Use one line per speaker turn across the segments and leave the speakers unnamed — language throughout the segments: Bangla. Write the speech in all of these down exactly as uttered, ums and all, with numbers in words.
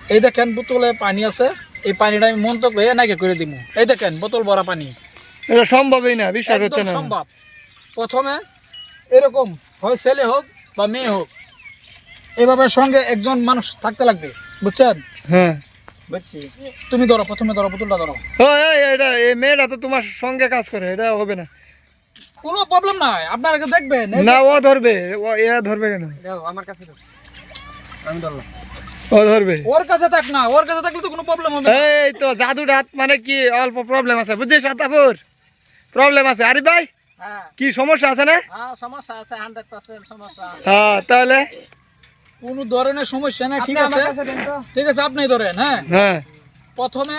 এই দেখেন বোতলে পানি আছে, এই পানিটা আমি মন্তব্য হয়ে নাকি করে দিব। এই দেখেন বোতল ভরা পানি,
এটা সম্ভবই না, বিশ্বাস হচ্ছে না।
সম্ভব। প্রথমে এরকম হয় ছেলে হোক বা মেয়ে হোক, এভাবে সঙ্গে একজন মানুষ থাকতে লাগবে, বুঝছেন?
হ্যাঁ
বুঝছি। তুমি ধরো, প্রথমে ধরো বোতলটা ধরো।
ও এটা এই মেয়েটা তো তোমার সঙ্গে কাজ করে, এটা হবে না।
কোনো প্রবলেম নাই, আপনারা দেখবেন।
না ও ধরবে, ও এ ধরবে কেন?
আমার কাছে আমি ধরলাম,
ও ধরবে।
ওর কাছে থাক না, ওর কাছে থাকলে তো কোনো প্রবলেম হবে না।
এই তো জাদু রাত মানে কি অল্প প্রবলেম আছে, বুঝছিস? আতাপুর প্রবলেম আছে। আরে ভাই
হ্যাঁ
কি সমস্যা আছে না?
হ্যাঁ সমস্যা আছে, হান্ড্রেড পার্সেন্ট সমস্যা।
হ্যাঁ তাহলে
কোনো ধরনের সমস্যা না, ঠিক আছে? ঠিক আছে, আপনি ধরেন। হ্যাঁ
হ্যাঁ
প্রথমে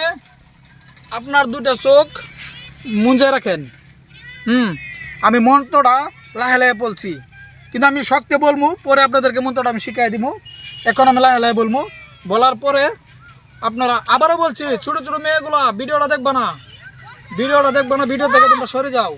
আপনার দুটা চোখ মুঞ্জে রাখেন। হুম আমি মন্ত্রটা লাহে লাহে বলছি, কিন্তু আমি শক্তি বলবো, পরে আপনাদেরকে মন্ত্রটা আমি শিখাই দিব। এখন আমি লাহে লাহে বলবো, বলার পরে আপনারা আবারও বলছি, ছোটো ছোটো মেয়েগুলো ভিডিওটা দেখবে না, ভিডিওটা দেখবে না, ভিডিও থেকে তোমরা সরে যাও।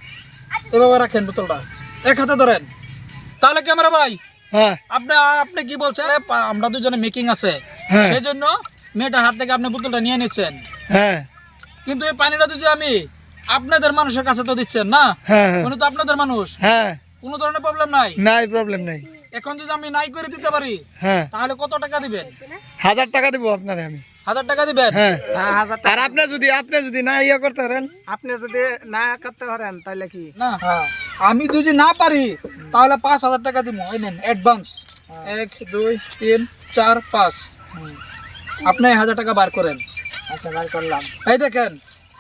এভাবে রাখেন বোতলটা, এক হাতে ধরেন। তাহলে ক্যামেরা ভাই,
হ্যাঁ
আপনি আপনি কি বলছেন? আমরা দুজনে মেকিং আছে,
হ্যাঁ।
সেই জন্য মেয়েটার হাত থেকে আপনি বোতলটা নিয়ে নিচ্ছেন।
হ্যাঁ
কিন্তু এই পানিটা যদি আমি আপনাদের মানুষের কাছে তো দিচ্ছেন না,
হ্যাঁ হ্যাঁ
উনি তো আপনাদের মানুষ,
হ্যাঁ
কোনো ধরনের প্রবলেম নাই।
নাই প্রবলেম নাই।
এখন যদি আমি নাই করে দিতে পারি,
হ্যাঁ
তাহলে কত টাকা দিবেন?
হাজার টাকা দিব আপনারে আমি।
হাজার টাকা দিবেন?
হ্যাঁ
হাজার
আর আপনি যদি আপনি যদি না ইয়া করতে পারেন,
আপনি যদি না করতে পারেন তাহলে কি না, আমি যদি না পারি তাহলে পাঁচ হাজার টাকা দিব। এই নেন অ্যাডভান্স, এক দুই তিন চার পাঁচ। আপনি হাজার টাকা বার করেন। আচ্ছা বার করলাম। এই দেখেন,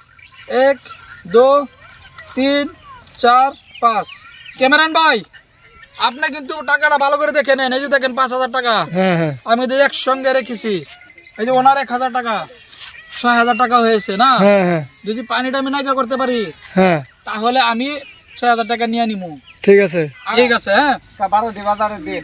এক দু তিন চার পাঁচ। ক্যামেরান ভাই, আপনি কিন্তু টাকাটা ভালো করে দেখে নেন। এই যে দেখেন পাঁচ হাজার টাকা
হ্যাঁ হ্যাঁ
আমি তো একসঙ্গে রেখেছি। এই যে ওনার এক হাজার টাকা, ছয় হাজার টাকা হয়েছে না?
হ্যাঁ হ্যাঁ
যদি পানিটা আমি নাইকা করতে পারি,
হ্যাঁ
তাহলে আমি ছয় হাজার টাকা নিয়ে নিবো।
ঠিক আছে
ঠিক আছে। হ্যাঁ বারো দি বাজারে দিন।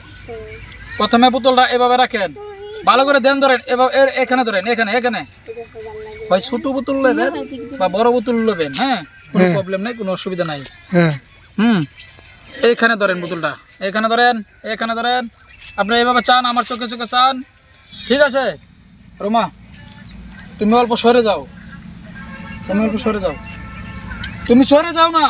প্রথমে বোতলটা এভাবে রাখেন, ভালো করে দেন, ধরেন এভাবে, এখানে ধরেন, এখানে এখানে হয় ছোট বোতল নেবেন বা বড় বোতল নেবেন। হ্যাঁ কোনো প্রবলেম নাই, কোনো অসুবিধা নাই।
হ্যাঁ
হুম এইখানে ধরেন বোতলটা, এখানে ধরেন, এখানে ধরেন। আপনি এইভাবে চান, আমার চোখে চোখে চান, ঠিক আছে? রোমা তুমি অল্প সরে যাও, তুমি অল্প সরে যাও, তুমি সরে যাও না,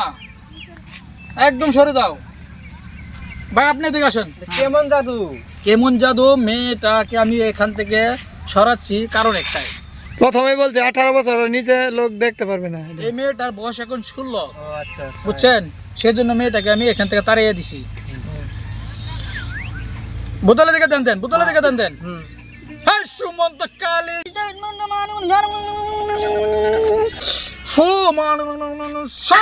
একদম সরে যাও। ভাই আপনি এদিকে আসেন।
কেমন জাদু?
কেমন জাদু? মেয়েটাকে আমি এখান থেকে সরাচ্ছি কারণ একটাই,
প্রথমেই বলছে আঠারো বছর নিচে লোক দেখতে পারবে না।
এই মেয়েটার বয়স এখন ষোলো,
আচ্ছা
বুঝছেন? সেই জন্য মেয়েটাকে আমি এখান থেকে তাড়িয়ে দিছি। বোতলে দিকে দেন দেন, বোতলে দিকে দেন দেন। হ্যাঁ সুমন্ত কালী ফু মানু সা।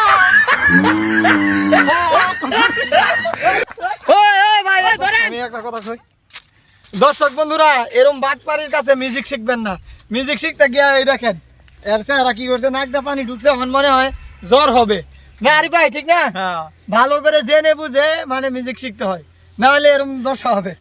আমি একটা কথা কই, দর্শক বন্ধুরা, এরকম বাটপাড়ির কাছে মিউজিক শিখবেন না। মিউজিক শিখতে গিয়ে এই দেখেন এর চেহারা কি করছে, নাক দিয়ে পানি ঢুকছে, আমার মনে হয় জ্বর হবে না। আরে ভাই ঠিক না? ভালো করে জেনে বুঝে মানে মিউজিক শিখতে হয়, না হলে এরকম দশা হবে।